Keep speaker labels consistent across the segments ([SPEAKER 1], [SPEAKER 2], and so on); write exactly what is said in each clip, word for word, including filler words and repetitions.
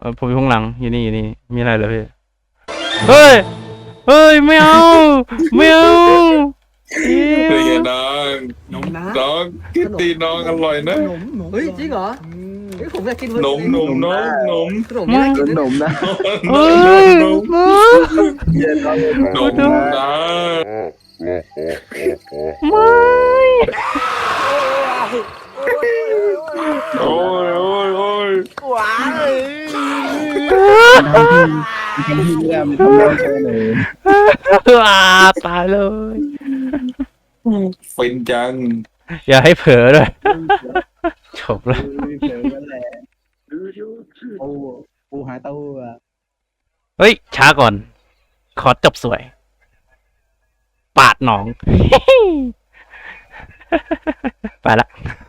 [SPEAKER 1] อผมอยู่ข้างหลังอยู่นี่อยู่นี่มีอะไรเหรอพี่เฮ้ยเฮ้ยไม่เอาไม่เอาเหี้ย
[SPEAKER 2] เป็นไงน้อง
[SPEAKER 3] นมนะ
[SPEAKER 2] น้องกินตีน้องอร่อยนะ
[SPEAKER 3] ขนมขนม
[SPEAKER 4] เฮ้ยจริงเหรอ
[SPEAKER 3] อืม
[SPEAKER 4] เฮ้ยผมอยากกิน
[SPEAKER 2] นมนมน้องนม
[SPEAKER 4] ขนมนี่น่ากิน
[SPEAKER 5] ข
[SPEAKER 4] นะ
[SPEAKER 5] นมนะ
[SPEAKER 1] เฮ้ย
[SPEAKER 2] นม
[SPEAKER 1] ไม่
[SPEAKER 5] เย็นเราเลย
[SPEAKER 2] นมนะ
[SPEAKER 1] ไม่
[SPEAKER 2] โอ้ยโอ้ยโอ้ย
[SPEAKER 4] ว้าย
[SPEAKER 5] ทำที่ทำที่ไม่ได้มันทำได้แค่ไหน
[SPEAKER 1] อ่าตายเลย
[SPEAKER 2] ฟินจัง
[SPEAKER 1] อย่าให้เผลอด้วยจบแล้ว
[SPEAKER 5] เจอกันแหละโอ้ปูหายเต้าหู้อะ
[SPEAKER 1] เฮ้ยช้าก่อน ขอจบสวย ปาดหนอง ไปละ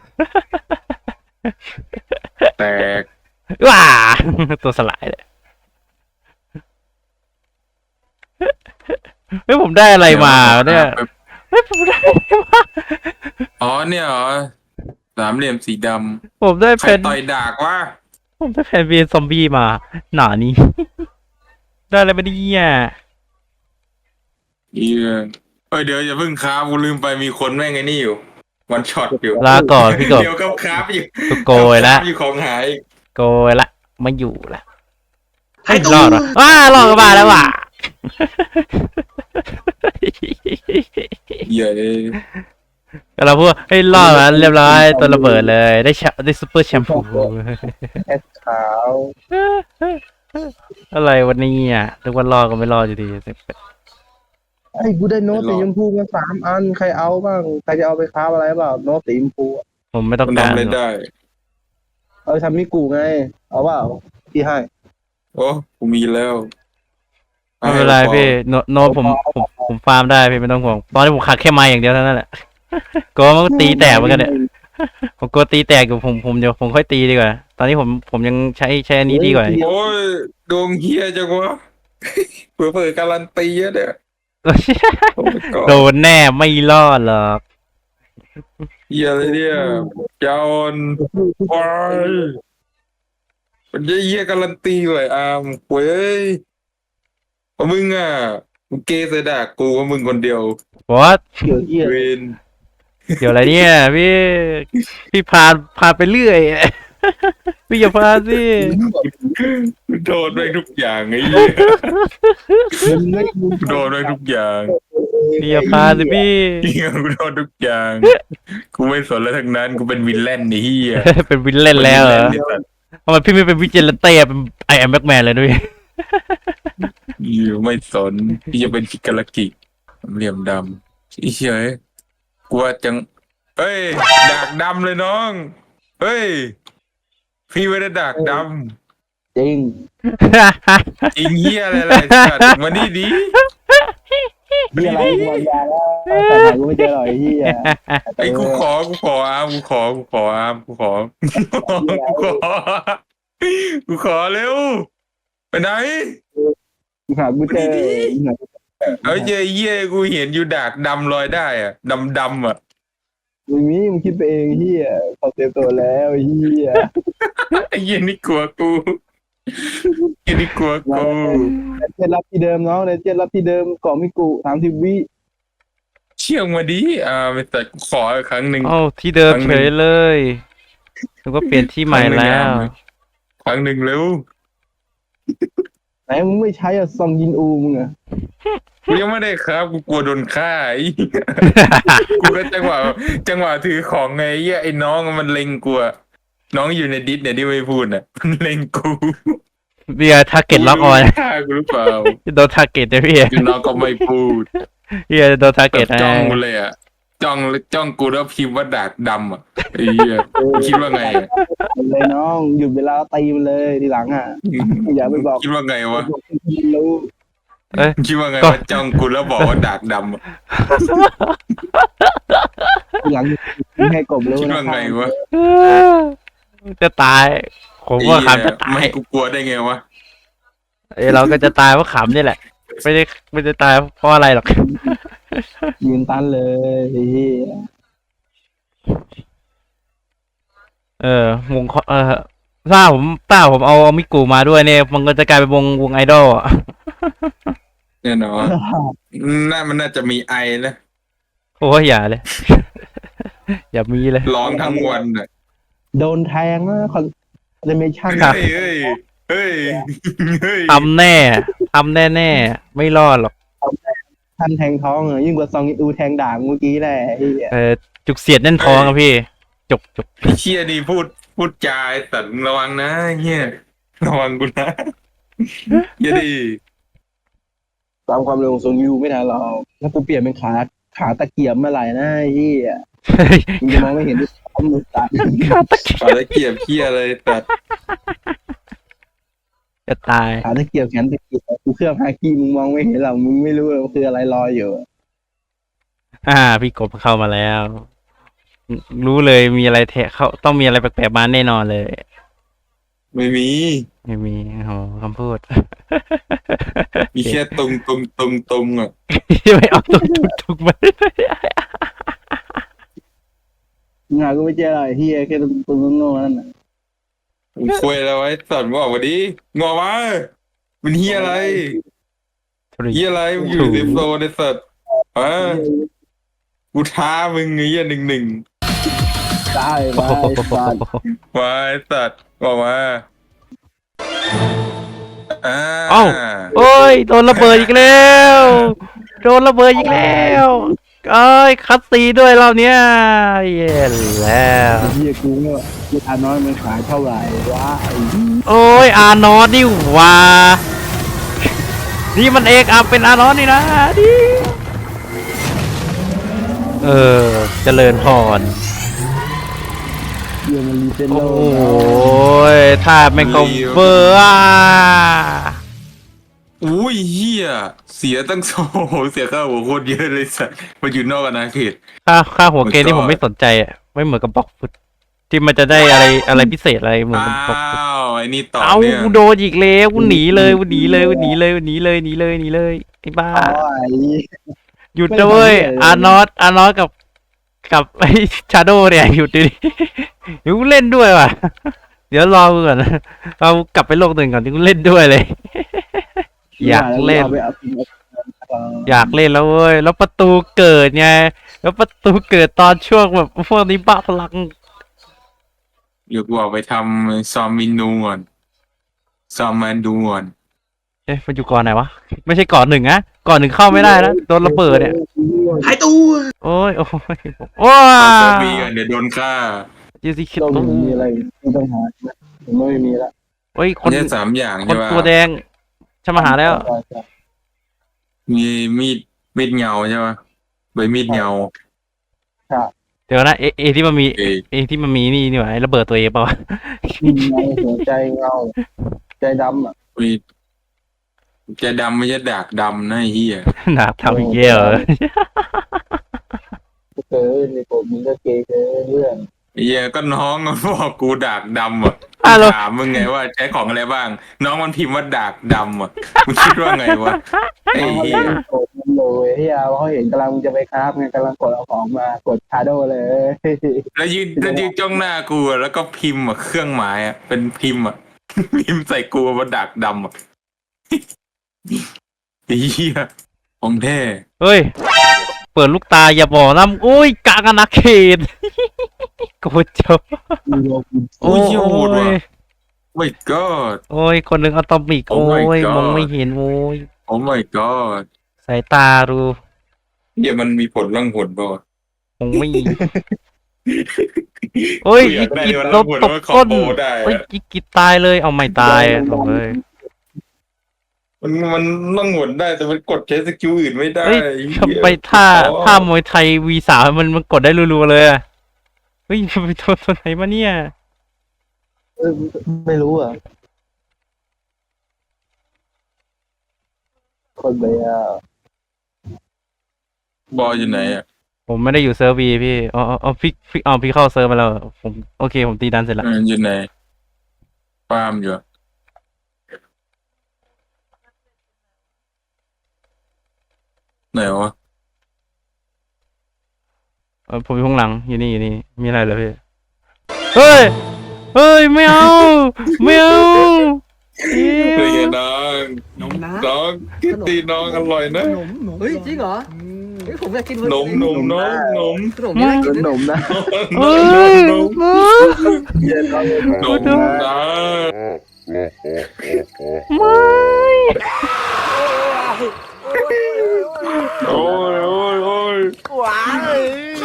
[SPEAKER 2] แตก
[SPEAKER 1] ว้าตัวสลายเลยเฮ้ยผมได้อะไรมาเนี่ยเฮ้ยผมได้อะไรมา
[SPEAKER 2] อ๋อเนี่ยเหรอสามเหลี่ยมสีด
[SPEAKER 1] ผมได้
[SPEAKER 2] ำใคร
[SPEAKER 1] เป็น
[SPEAKER 2] ต่อยดากวะ
[SPEAKER 1] ผมได้แผ่นเวียนซอมบี้มา หนานี้ ได้อะไรมาเนี่ย
[SPEAKER 2] เหี้ยเอ้ยเดี๋ยวอย่าเพิ่งค้ากูลืมไปมีคนแม่งไอ้นี่อยู่วันช็อตอยู่
[SPEAKER 1] ลาก่อนพี่กบ
[SPEAKER 2] เดี๋ยวกับค้าอยู่
[SPEAKER 1] ตัวโกยละ
[SPEAKER 2] ค้าอยู่ของหาย
[SPEAKER 1] โกยละไม่อยู่ละให้รอดวะว้ารอดกันมาแล้วว่ะ
[SPEAKER 2] เหี้ยเลย
[SPEAKER 1] ก็เราพูดให้รอดแล้วเรียบร้อยตัวระเบิดเลยได้แชได้ซูเปอร์แชมพู
[SPEAKER 5] แอดขาว
[SPEAKER 1] อะไรวันนี้อ่ะทุกวันรอดก็ไม่รอดอยู่ดี
[SPEAKER 5] ไอ้กูได้โน้ตสีชมพูมาสามอันใครเอาบ้างใครจะเอาไปค้าอะไรเปล่าโน้ตสีชมพูอะ
[SPEAKER 1] ผมไม่ต้อง
[SPEAKER 2] มัน
[SPEAKER 1] การ
[SPEAKER 2] ทำอะไรได้
[SPEAKER 5] เอาไปทำมิกูไงเอาเปล่าพี่ให้
[SPEAKER 2] โอ้กูมีแล้ว
[SPEAKER 1] ไม่เป็นไรพี่โนโนตผมผมผมฟาร์มได้พี่ไม่ต้องห่วงตอนนี้ผมขาดแค่ไม้อย่างเดียวเท่านั้นแหละกลัวมันก็ตีแตกเหมือนกันเนี่ยผมกลัวตีแตกอยู่ผมผมเดี๋ยวผมค่อยตีดีกว่า ตอนนี้ผมผมยังใช้ใช้อันนี้ดีกว่า
[SPEAKER 2] โอ้ยดวงเฮียจังวะเผื่อเผื่อการันตีอะเนี่ยโอ้ my god
[SPEAKER 1] โดนแน่ไม่รอดหรอก
[SPEAKER 2] เฮียอะไรเนี่ยจอนวายมันจะเฮียการันตีเลยอามเว้ยเพราะมึงอ่ะมึงเกย์ใส่ด่ากูว่ามึงคนเดียว
[SPEAKER 1] วอท
[SPEAKER 5] เกี่ยวเกี่ยว
[SPEAKER 2] เวน
[SPEAKER 1] เกี่ยวอะไรเนี่ยพี่พี่พาพาไปเรื่อย พี่อย่าพาสิ
[SPEAKER 2] โดนไปทุกอย่างไอ้เหี้ย
[SPEAKER 5] มันไม่กู
[SPEAKER 2] โดนไปทุกอย่าง
[SPEAKER 1] พี่อย่าพาสิพี่
[SPEAKER 2] เฮียกูโดนทุกอย่างกูไม่สนแล้วทั้งนั้นกูเป็นวิลเลนไอ้เฮีย
[SPEAKER 1] เป็นวินเล่นแล้วเหรอ
[SPEAKER 2] ป็นวิลเลนไอ้สัตว์
[SPEAKER 1] ทำไมพี่ไม่เป็นวิจิเลนเต้เป็นไอแอมแบ็กแมนเลยด้วย
[SPEAKER 2] อยู่ไม่สนพี่จะเป็นคิกาลากิเหลี่ยมดำไอ้เหี้ยเอ้ยกลัวจังเอ้ยดากดำเลยน้องเฮ้ยพี่ไม่ได้ดากด
[SPEAKER 5] จริง
[SPEAKER 2] ำจริงเหี้ยอะไรอะไรสัตว์มานี่ดิ
[SPEAKER 5] เหี้ยอะไรกูวางยาแล้วแต่หากูไม่เจอหรอกไอ้เหี้ย
[SPEAKER 2] ไอ้กูขอกูขออามกูขอกูขออามกูขอกูขอกูขอเร็วไปไหน
[SPEAKER 5] กูหากูเจอ
[SPEAKER 2] เอ้ยเหี้ยเหี้ยกูเห็นอยู่ดากดำลอยได้อะดำดำอ่ะ
[SPEAKER 5] มึงนี่มึงคิดไปเองเหี้ยเขาเตรียมตัวแล้วไอ้เหี้ย
[SPEAKER 2] ไอ้เหี้ยนี่กลัวกูไอ้นี่กลัวกู
[SPEAKER 5] เจ็ดรับที่เดิมน้องในเจ็ดรับที่เดิมเกาะมิกุสามสิบวิ
[SPEAKER 2] เชี่ยงมาดิอ่าไม่แต่ขออีกครั้งหนึ่ง
[SPEAKER 1] เอ้าที่เดิมเฉยเลยนึกว่าเปลี่ยนที่ใหม่แล้ว
[SPEAKER 2] ครั้งหนึ่งเร็ว
[SPEAKER 5] ไหนมึงไม่ใช้อะซองยินอูมึงอะ
[SPEAKER 2] กูยังไม่ได้ครับกูกลัวโดนฆ่าไอ้ กูก็จังหวะจังหวะถือของไงไอ้เหี้ยไอ้น้องมันเล็งกูอะน้องอยู่ในดิสเนี่ยที่ไม่พูดน่ะมันเล็งกู
[SPEAKER 1] เบียร์ทาร์เก็ตล็อกออน
[SPEAKER 2] ฆ่ากูหรือเปล่า
[SPEAKER 1] โดนทาร์เก็ตนะพี่
[SPEAKER 2] คือน้องก็ไม่พูด
[SPEAKER 1] เบียร์โดนทาร์
[SPEAKER 2] แบ
[SPEAKER 1] เก็ต
[SPEAKER 2] บจ้องกูเลยอะจ้องจ้องกูแล้วพิมพ์ว่าดากดำอะไอ้เหี้ยมึงคิดว่าไงอะ
[SPEAKER 5] เลยน้องหยุดเวลาตีมันเลยทีหลังอะอย่าไปบอก
[SPEAKER 2] คิดว่าไงวะ
[SPEAKER 5] รู้
[SPEAKER 1] เอ้ย
[SPEAKER 2] คิดว่าไง
[SPEAKER 1] ก็
[SPEAKER 2] ว่าจ้องกูแล้วบอกว่าดากดำอะ
[SPEAKER 5] ทีหลังให้กบรู้
[SPEAKER 2] คิด
[SPEAKER 5] นะ
[SPEAKER 2] ว่าไงวะ
[SPEAKER 1] จะตาย ผมว่าขำจะตา
[SPEAKER 2] ไม่
[SPEAKER 1] ย
[SPEAKER 2] ให้กูกลัวได้ไงวะ
[SPEAKER 1] เอ้ยเราก็จะตายเพราะขำนี่แหละ ไม่ได้ไม่ได้ตายเพราะอะไรหรอก
[SPEAKER 5] ยืนตันเลยไอ้เหี้ย
[SPEAKER 1] เออวงเคาะเออถ้าผมถ้าผมเอาเอามิกูมาด้วยเนี่ยมันก็จะกลายเป็นวงวงไอดอลอะ
[SPEAKER 2] แน่นอนน่ามันน่าจะมีไอนะ
[SPEAKER 1] โอ้ยอย่าเลย อย่ามีเลย
[SPEAKER 2] ร้องทั้งวันอ่ะ
[SPEAKER 5] โดนแทงนะคอนเดเมชั่น
[SPEAKER 1] ครับ
[SPEAKER 2] เฮ้ยเฮ้ยเฮ้ยเฮ้ย
[SPEAKER 1] ทำแน่ทำแน่แน่ๆไม่รอดหรอก
[SPEAKER 5] ท่านแทงท้องเหรอยิ่งกว่าซองอิอูแทงด่างเมื่อกี้แหละไอ้เหี้ย
[SPEAKER 1] เออจุกเสียดแน่นท้องอะพี่จุกจุก
[SPEAKER 2] ไอ้เชี่ยนี่พูดพูดจาไอ้สัตว์ระวังนะเฮียระวังกูนะอย่าดี
[SPEAKER 5] ตามความเร็วของซองอิอูไม่ทันหรอกถ้ากูเปลี่ยนเป็นขาขาตะเกียบเมื่อไหร่นะไอ้เหี้ย
[SPEAKER 1] เฮ้ย
[SPEAKER 5] มึงจะมองไม่เห็นด้วยซ้ำมือตัด
[SPEAKER 1] ขาตะเกียบ
[SPEAKER 2] ขอตะเกียบเฮียอะไรตัด
[SPEAKER 1] จะตาย
[SPEAKER 5] ขาตะเกียบแขนตะเกียบกูเครื่องฮากี้มึงมองไม่เห็นหรอกมึงไม่รู้เลยว่าคืออะไรลอยอยู่
[SPEAKER 1] อ่า พี่กบเข้ามาแล้ว รู้เลยมีอะไรแทะเขาต้องมีอะไรแปลกๆมาแน่นอนเลย
[SPEAKER 2] ไม่มี
[SPEAKER 1] ไม่มีโอ้โหคำพูด
[SPEAKER 2] มีแค่ตรงตรงตรงตรงอ่ะ
[SPEAKER 1] ไม่เอาตุกตุกตุกมา
[SPEAKER 5] งานก็ไม่เจออะไรเฮียแค่ตัวตัวโง่ๆนั่นน่ะ
[SPEAKER 2] มึงคุยอะไรไว้สัตว์มึงออกมาดิงอมามันเฮียอะไรเฮียอะไรมึงอยู่ในโซนในสัตว์ฮะกูท้ามึงไอ้เฮียหนึ่งหนึ่ง
[SPEAKER 5] ได้ไปสัตว์
[SPEAKER 2] มาไอ้สัตว์ออกมาอ่า
[SPEAKER 1] เอ้า โอ้ยโดนระเบิดอีกแล้วโดนระเบิดอีกแล้วเอ้ยคัดซีด้วยรอบเนี้ยเย้แล้ว
[SPEAKER 5] เฮียกูเนี่ยกูทานน้อยมันขายเท่าไหร่วะไอ้
[SPEAKER 1] โอ้ยอานอสนี่หว่านี่มันเอกอัพเป็นอานอสนี่นะดิเออเจริญพร
[SPEAKER 5] เฮียมันรีเจน
[SPEAKER 1] โอ
[SPEAKER 5] โล้
[SPEAKER 1] ยถ้าแม่งก็เบอร์อ่ะ
[SPEAKER 2] อุ้ยเฮียเสียตั้งโซเสียค่าหัวโคตรเยอะเลยสัตว์มาอยู่นอกอาณาเขต
[SPEAKER 1] ค่าค่าหัวเกมนี่
[SPEAKER 2] My
[SPEAKER 1] ผ
[SPEAKER 2] God
[SPEAKER 1] มไม่สนใจอ่ะไม่เหมือนกับบล็อกฟุตที่มันจะได้อะไรอะไรพิเศษอะไรเหมือน
[SPEAKER 2] อ้า
[SPEAKER 1] กับบล็อกฟุต
[SPEAKER 2] วไอ้นี่ต่อ
[SPEAKER 1] เอา
[SPEAKER 2] เนี่ย
[SPEAKER 1] กูโดนอีกแล้วกูหนีเลยกูหนีเลยกูหนีเลยกูหนีเลยหนีเลยหนีเลยไอ้บ้า
[SPEAKER 5] อ๋อไอ้
[SPEAKER 1] หยุดด้วย
[SPEAKER 5] ไม่ทำเลย
[SPEAKER 1] อานอสอานอสกับกับไอ้ชาโดเนี่ยหยุดดิเดี๋ยวกูเล่นด้วยว่ะ เดี๋ยวรอกูก่อนนะเรากลับไปโลกหนึ่งก่อนที่กูเล่นด้วยเลย อยากเล่น
[SPEAKER 5] อาไปเอาไปเอา
[SPEAKER 1] อยากเล่นแล้วเว้ยแล้วประตูเกิดไงแล้วประตูเกิดตอนช่วงแบบพวกนี้บ้าพลัง
[SPEAKER 2] เดี๋ยวกูออกไปทำซอมมินูก่อนซอมแมนดูก่อน
[SPEAKER 1] เอ๊ะมันอยู่ก่อนไหนวะไม่ใช่ก่อนหนึ่งนะก่อนหนึ่งเข้าไม่ได้นะโดนระเบิดเนี่ย
[SPEAKER 5] หายตัว
[SPEAKER 1] โอ้ยโอ้ยโอ้ย
[SPEAKER 2] เอาเซอร์บีกันเดี๋ยวโดนฆ่า
[SPEAKER 1] ยูซิคิด
[SPEAKER 5] ต้อง
[SPEAKER 1] ตู้
[SPEAKER 5] มีอะไรไม่ต้องหาผมไม่มีละ
[SPEAKER 1] โอ้ยคน
[SPEAKER 2] เนี่ยสามอย่าง
[SPEAKER 1] คน
[SPEAKER 2] ใช่ป่ะ
[SPEAKER 1] ตัวแดงฉันมาหาแล้ว
[SPEAKER 2] มีมีดมีดเงาใช่ป่ะใบมีดเงา
[SPEAKER 1] เดี๋ยวนะเอเอที่มันมี
[SPEAKER 2] เอย
[SPEAKER 1] เอที่มันมีนี่นี่หว่าไอ้ระเบิดตัวเองเปล่าวะ
[SPEAKER 5] เงาหัวใจเงาใจดำอ่ะ
[SPEAKER 2] มีดจะดำไม่ใช่ดากดำนะไอ้เหี้ย
[SPEAKER 1] หนักทำอีกเยอะ
[SPEAKER 5] เกินในผมมึงก็เกย์เกินเรื่อง
[SPEAKER 2] ไอ้เหี้ยก็น้องมันบอกกูดากดำอ่ะ
[SPEAKER 1] อ่ะเรา
[SPEAKER 2] ถามมึงไงว่าใช้ของอะไรบ้าง น้องมันพิมพ์ว่าดากดำอ่ะมึงคิดว่าไงวะไอ้
[SPEAKER 5] เขา
[SPEAKER 2] เหี้
[SPEAKER 5] เล่
[SPEAKER 2] ย
[SPEAKER 5] นกดมันเลยที่เอาเขาเห็นกำลังจะไปคราฟไงกำลังกดเอาของมากดชาโดเลย
[SPEAKER 2] แล้วยืนแล้วยืนจ้องหน้ากูอะแล้วก็พิมพ์อ่ะเครื่องหมายอ่ะเป็นพิมพ์อ่ะ พิมพ์ใส่กูว่าดากดำอ่ะ ไอ้เหี้ยของแท้
[SPEAKER 1] เฮ้ยเปิดลูกตาอย่าบอกนะอุ้ยกลางอาณาเขต กูจบ
[SPEAKER 2] โอ้ยเหี้ยโหดว่ะ โอ้ my god
[SPEAKER 1] โอ้ยคนหนึ่งอะตอมิก
[SPEAKER 2] Oh
[SPEAKER 1] โอ้
[SPEAKER 2] my
[SPEAKER 1] ย
[SPEAKER 2] God
[SPEAKER 1] มองไม่เห็นโอ้ย
[SPEAKER 2] โอ้ my god
[SPEAKER 1] สายตาดู
[SPEAKER 2] เดี๋ยวมันมีผลร่างผลป่าวะ
[SPEAKER 1] มองไม่โอ้ย
[SPEAKER 2] กูอ
[SPEAKER 1] อี
[SPEAKER 2] ยากได้
[SPEAKER 1] กิด
[SPEAKER 2] วัน
[SPEAKER 1] โด
[SPEAKER 2] ละ
[SPEAKER 1] น
[SPEAKER 2] ผล
[SPEAKER 1] ตบ
[SPEAKER 2] ว่าคอ
[SPEAKER 1] ก้
[SPEAKER 2] ม
[SPEAKER 1] น
[SPEAKER 2] โบได้
[SPEAKER 1] โอ้ย
[SPEAKER 2] อะ
[SPEAKER 1] อีกิดตายเลยเอาไม่ตายอะโถ่เอ้ย
[SPEAKER 2] มันมันร่างผลได้แต่มันกดใช้สกิลอื่นไม่ได้
[SPEAKER 1] เฮ้ย
[SPEAKER 2] เหี้ย
[SPEAKER 1] ทำไปท่า
[SPEAKER 2] อ๋อ
[SPEAKER 1] ท่ามวยไทยวีสามมันมันกดได้รัวๆเลยอะเฮ้ยไปโดนตัวไหนมาเนี่ย
[SPEAKER 5] เออไม่รู้อ่ะคนไปอ่ะ
[SPEAKER 2] บอยอยู่ไหนอ่ะ
[SPEAKER 1] ผมไม่ได้อยู่เซิร์ฟวีพี่อ๋ออ๋ออ๋อพี่พี่อ๋อพี่เข้าเซิร์ฟมาแล้วผมโอเคผมตีดันเสร็จแล้ว
[SPEAKER 2] เอออยู่ไหนฟาร์มอยู่อะไหนวะ
[SPEAKER 1] เออผมอยู่ข้างหลังอยู่นี่อยู่นี่มีอะไรเหรอพี่เฮ้ยเฮ้ยไม่เอาไม่เอาเย้
[SPEAKER 2] เป็นไงน้อง
[SPEAKER 3] นมนะ
[SPEAKER 2] น้องกินตีน้องอร่อยนะ
[SPEAKER 3] ขนมขนม
[SPEAKER 4] เฮ้ยจริงเหรอเฮ้ยผมอยากกิน
[SPEAKER 2] นมนมน้องนม
[SPEAKER 4] ขนมนี่น่ากิน
[SPEAKER 5] ขนมนะ
[SPEAKER 1] เฮ้ย
[SPEAKER 2] นม
[SPEAKER 1] มา
[SPEAKER 5] เฮียน้อง
[SPEAKER 2] นมนะ
[SPEAKER 1] ไม่
[SPEAKER 2] โอ้ยโอ้ยโอ้ย
[SPEAKER 4] หวานเลย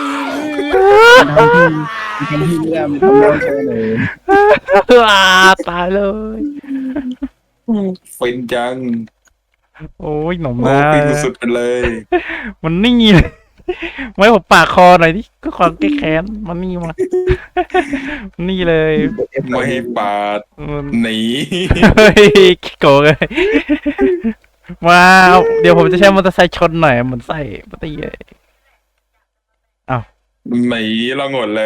[SPEAKER 5] ทำที่ไม่ได้ไม่ทำได้แค่ไหน
[SPEAKER 1] อ่าตายเลย
[SPEAKER 2] ฟินจัง
[SPEAKER 1] โอ้ยหนม
[SPEAKER 2] โอ้
[SPEAKER 1] นะ
[SPEAKER 2] ฟินสุดๆไปเลย
[SPEAKER 1] มันนี่เลยไว้ผมปากคอหน่อยดิก็ความแก้แค้นมันนี่มานี่เลย
[SPEAKER 2] ไม่ให้ปาด
[SPEAKER 1] มัน
[SPEAKER 2] หนี
[SPEAKER 1] เฮ้ยขี้โกงเลยมาเอาเดี๋ยวผมจะใช้มอเตอร์ไซค์ชนหน่อยเหมือนใส่ปฏิเย
[SPEAKER 2] หนีเราหมดเลย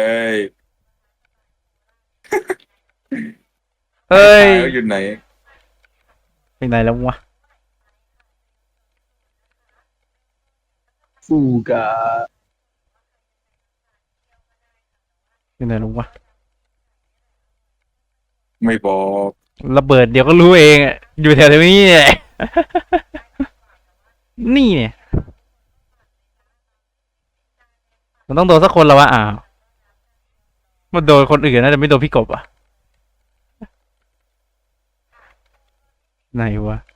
[SPEAKER 1] เฮ้ย
[SPEAKER 2] ตายแล้วอยู่ไหน
[SPEAKER 1] ไปไหนแล้ววะ
[SPEAKER 5] ฟูกา
[SPEAKER 1] ไปไหนแล้ววะ
[SPEAKER 2] ไม่บอก
[SPEAKER 1] ระเบิดเดี๋ยวก็รู้เองอะอยู่แถวนี้แหละนี่เนี่ยมันต้องโดนสักคนแล้ววะอ้าวมันโดนคนอื่นนะแต่ไม่โดนพี่กบอ่ะไหนวะ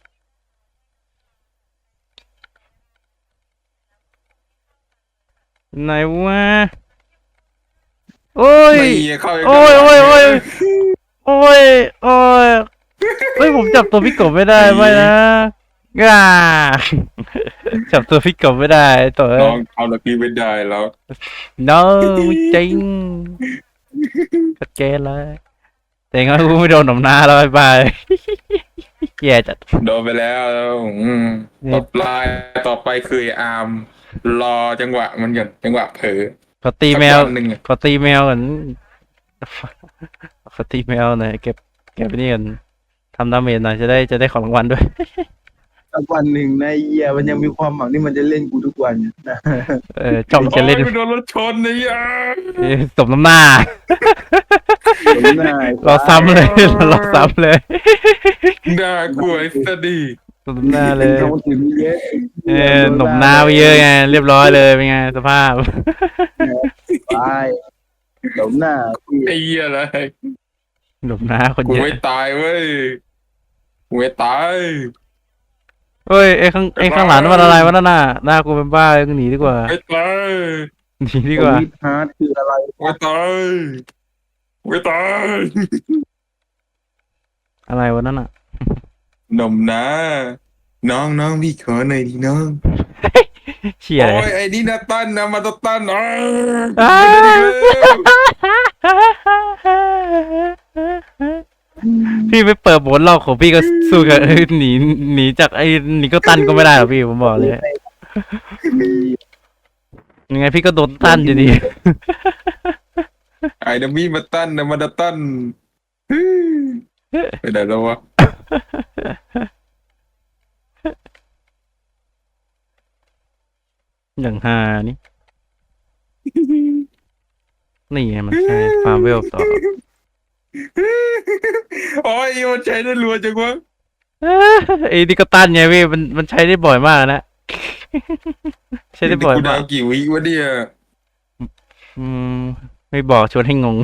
[SPEAKER 1] ไหนวะโอ้ย
[SPEAKER 2] ไม่เข้า
[SPEAKER 1] โอ้ยโอ้ยโอ้ย โอ้ยโอ้ยเฮ้ยผมจับตัวพี่กบไม่ได้ไม่นะง่าจับตัวพี่กบไม่ได้ตัว
[SPEAKER 2] น้องเอาละพี่ไม่ได้แล้ว
[SPEAKER 1] no จริงชัดเจนเลยแต่งั้นกูไม่โดนหนมหน้าแล้วบายบายแย่จัด
[SPEAKER 2] โดนไปแล้วอืม
[SPEAKER 1] นี่
[SPEAKER 2] ต่อไปต่อไปคืออาร์มรอจังหวะมันก่อนจังหวะเผลอ
[SPEAKER 1] ขอตีแมว
[SPEAKER 2] สักวันหนึ่งอะ
[SPEAKER 1] ขอตีแมวก่อนขอตีแมวหน่อยเก็บเก็บไปนี่ก่อนทำดาเมจหน่อยจะได้จะได้ของรางวัลด้วย
[SPEAKER 5] สักวันหนึ่งนายเฮียมันยังมีความหวังที่มันจะเล่นกูทุกวันนะ
[SPEAKER 1] เออจ้องจะเล่น
[SPEAKER 2] โอ้ยกูโดนรถชนนี่อ่ะ
[SPEAKER 1] เอ้ยสมน้ำหน้า
[SPEAKER 5] ผมน่าย
[SPEAKER 1] เราซ้ำเลยเราซ้ำเลย
[SPEAKER 2] น่ากลัวไอ้สดี
[SPEAKER 1] สมน้ำหน้าเลย
[SPEAKER 5] ต้องถึงเยอะ
[SPEAKER 1] เออหนมหน้าไปเยอะไงเรียบร้อยเลยเป็นไงสภาพ
[SPEAKER 5] ไปเดี๋ยวหน้าพี่
[SPEAKER 2] ไอ้เหี้ยอะไร
[SPEAKER 1] หนมหน้าคน
[SPEAKER 2] กู
[SPEAKER 1] เยอะ
[SPEAKER 2] ไม่ตายเว้ยกูไม่ตาย
[SPEAKER 1] เฮ้ยไอ้ข้างไอ้ข้างหลังนั่นมันอะไรวะนั่นน่ะหน้ากูเป็นบ้าเลยกูหนีดีกว่า
[SPEAKER 2] ไม่ตาย
[SPEAKER 1] หนีดีกว่า
[SPEAKER 5] วิทฮาร์ดคืออะไร
[SPEAKER 2] ไม่ตายไม่ตาย
[SPEAKER 1] อะไรวะนั่นน่ะ
[SPEAKER 2] หนมนะน้องน้องพี่ขอหน่อยดิน้อง
[SPEAKER 1] เชี่ย
[SPEAKER 2] โอ้
[SPEAKER 1] เลย
[SPEAKER 2] ยไอ้นี่นาตันนะมาตาตันอ๋อ
[SPEAKER 1] อ้า พี่ไม่เปิดบทเล่าของพี่ก็สู้กับเอ้ยหนีหนีจากไอ้หนีก็ตันก็ไม่ได้หรอกพี่ผมบอกเลย ยังไงพี่ก็โดนตันอยู่ดี
[SPEAKER 2] ไอ้นามีมาตันนะมาตาตันไปไหนแล้ววะ
[SPEAKER 1] อย่างฮานี่ นี่ไงมันใช่ฟาร์มเวลต่อ
[SPEAKER 2] โอ้ยมันใช้ได้รัวจังวะ
[SPEAKER 1] ไอ้นี่ก็ตันไงพี่มันมันใช้ได้บ่อยมากนะ ใช้ได้บ่อย
[SPEAKER 2] กู
[SPEAKER 1] มา
[SPEAKER 2] ดาก วกี่วิวะเนี่ย
[SPEAKER 1] อืมไม่บอกชวนให้งง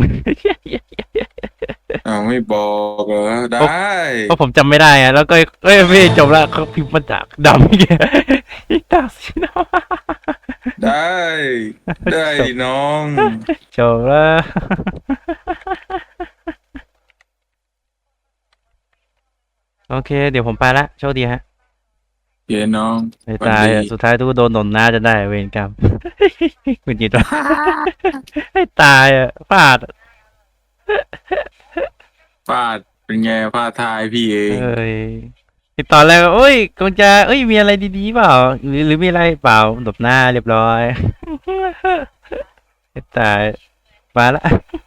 [SPEAKER 2] อ้าวไม่บอกเหรอได้
[SPEAKER 1] เพราะผมจำไม่ได้อะแล้วก็เอ้ยพี่จบละเขาพิมพ์มาจากดำอีกดาสินะ
[SPEAKER 2] ได้ได้ดิน้อง
[SPEAKER 1] จบละโอเค เดี๋ยวผมไปละโชคดีฮะ
[SPEAKER 2] เย้น้อง
[SPEAKER 1] ไม่ตายอะสุดท้ายทุกโดนหนนหน้าจะได้เวรกรรม คุณจิตวะไม่ตายอ่ะพลาด
[SPEAKER 2] ฟาดเป็นไงฟาดทายพี่เอง
[SPEAKER 1] เอ้ยที่ตอนแรกก็เอ้ยกงจะเอ้ยมีอะไรดีๆเปล่าหรือหรือมีอะไรเปล่าหลบหน้าเรียบร้อย ไม่ตายมาละ